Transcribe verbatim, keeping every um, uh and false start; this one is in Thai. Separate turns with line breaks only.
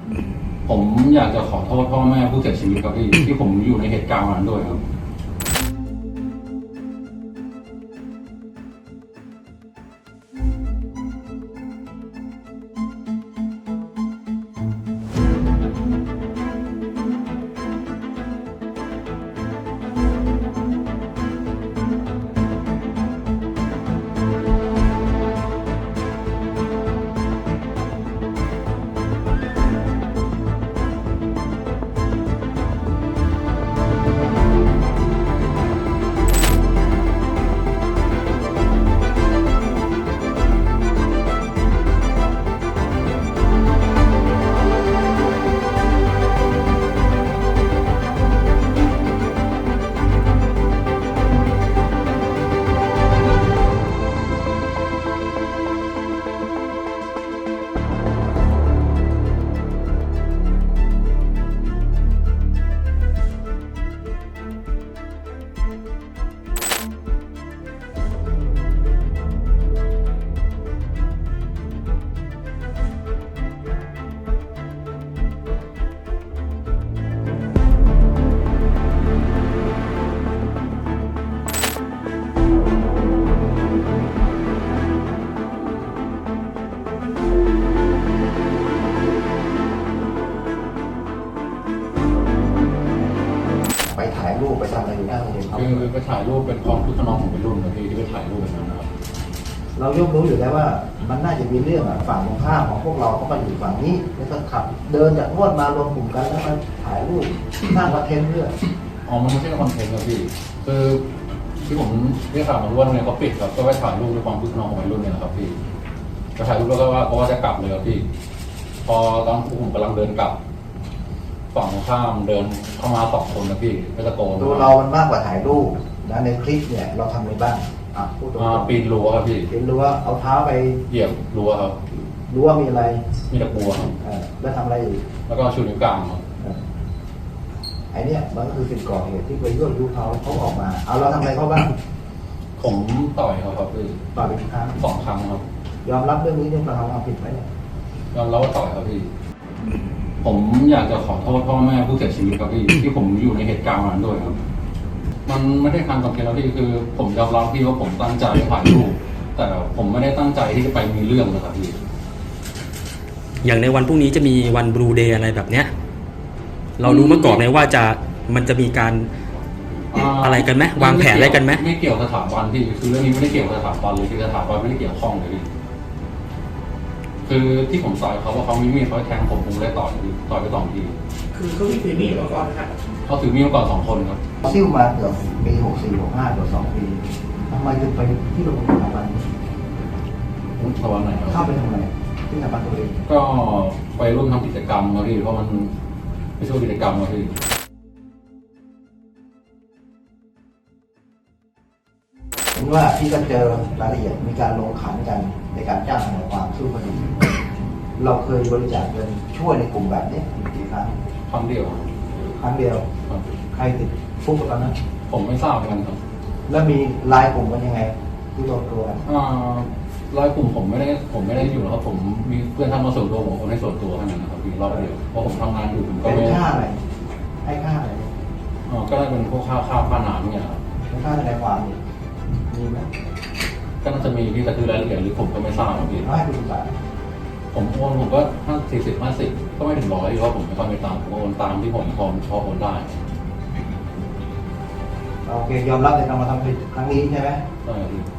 ผมอยากจะขอโทษพ่อแม่ผู้เสียชีวิตครับพี่ที่ผมอยู่ในเหตุการณ์นั้นด้วยครับ
ไปถ่ายรูปไปทำอะไรอยู่หน้าโรงเรียนครับ
คือไปถ่ายรูปเป็นความคึกขนองของวัยรุ่นนะพี่ที่ไปถ่ายรูปแบบนั้นนะครับ
เราย่อมรู้อยู่แล้วว่ามันน่าจะมีเรื่องอ่ะฝั่งตรงข้ามของพวกเราเขามาอยู่ฝั่งนี้แล้วก็ขับเดินจากรวดมารวมกลุ่มกันแล้วมาถ่ายรูปสร้างคอนเทนต์เรื่อง
อ๋อมันไม่ใช่คอนเทนต์ครับพี่คือที่ผมเรียกข่าวมาว่าโรงเรียนเขาปิดครับก็ไปถ่ายรูปด้วยความคึกขนองของวัยรุ่นเนี่ยนะครับพี่ไปถ่ายรูปแล้วก็ว่าเพราะว่าจะกลับเลยครับพี่พอตอนผมกำลังเดินกลับฝั่งตรงข้ามเดินเข้ามาสองคนนะพี่ก็ตะโกน
ตัวเรามันมากกว่าถ่ายรูปนะในคลิปเนี่ยเราทำอะไรบ้างอ่ะพูดตรง
อ่าปีนรั้วครับพี่
ๆเห็นรั้วเอาเท้าไป
เหยียบรั้วครับ
รั้วมีอะไร
มีตะปูครับ
เออแล้วทำอะไรอีก
แล้วก็ชูนิ้วกลางครับ
เออไอ้เนี่ยมันก็คือสิ่งก่อเหตุที่ไปยั่วยุเขาเขาออกมาเอาเราทำอะไรเขาบ้าง
ผมต่อยเขาครับพี่
ต่อไปกี่ครั้ง
สองครั้งครับ
ยอมรับเรื่องนี้เนี่ยเราทำความผิดไหมเนี่ย
ยอมรับว่าต่อยครับพี่ผมอยากจะขอโทษพ่อแม่ผู้เสียชีวิตครับพี่ที่ผมอยู่ในเหตุการณ์นั้นด้วยครับ มันไม่ได้ทางกับเกณฑ์แล้วพี่คือ ผมยอมรับพี่ว่าผมตั้งใจถ่ายรูปแต่ผมไม่ได้ตั้งใจที่จะไปมีเรื่องนะครับพี่
อย่างในวันพรุ่งนี้จะมีวันบลูเดย์อะไรแบบเนี้ยเรารู้มาก่อนไหมว่าจะมันจะมีการอะไรกันไหมวางแผนอะไรกันไหม
ไม่เกี่ยวกับสถาบันพี่คือเรื่องนี้ไม่ได้เกี่ยวกับสถาบันเลยคือสถาบันไม่ได้เกี่ยวข้องเลยพี่คือที่ผมต่อยเขาว่าเขามีมีดเขาแทงผมผมเลยต่อยพี่ต่อยไปสองที
คือเขามีถือมีดมาก่อนนะครับ
เขาถือมีดมาก่อนสองคนครับ
ซิ่วมาเกือบปีหกสี่หกห้าเกือบสองปีทำไมถึงไปที่โรงเรียนสถาบัน
สถาบันไหนครับ
เข้าไปทำไมที่สถาบันตัวเอง
ก็ไปร่วมทำกิจกรรมครับพี่เพราะมันไปช่วยกิจกรรมครับพี่
เห็นว่าพี่ก็เจอรายละเอียดมีการลงขันกันในการจ้างทนายความสู้คดีเราเคยบริจาคเงินช่วยในกลุ่มแบบนี้กี่ครั้ง
ครั้งเดียว
ครั้งเดียว
ครับ
ใครติดคุกตอนนั้น
ผมไม่ทราบเหมือนกันครับ
แล้วมีไลายกลุ่มกันยังไง ที่รวมตัวกัน
อ่ารายกลุ่มผมไม่ได้ผมไม่ได้อยู่แล้วครับผมมีเพื่อนทำมาส่วนตัวผมคนให้ส่วนตัวแค่นั้นนะครับพี่รอบเดียวเพราะผมทำงานอยู่ผมก็
เป็น
ไม่
ค่าอะไรให้ค่าอะไร
อ่าก็ได้เป็นพวกค่าข้าวค่าน้ำเนี่ยครับ
เป็นค่าทนายความนี่มีไหม
ก็น่าจะมีพี่แต่คือรายละเอียดหรือผมก็ไม่ทราบครับพี่
ร้อยเป็นบาท
ผมโอนผมก็ห้าสี่สิบห้าสิบก็ไม่ถึงร้อยเพราะผมไม่ค่อยมีตังค์ผมโอนตามที่ผมพอพอโอนได้
โอเคยอมรับในการมาทำผิดครั้งนี้ใช่ไหม
ใช่ครับพี่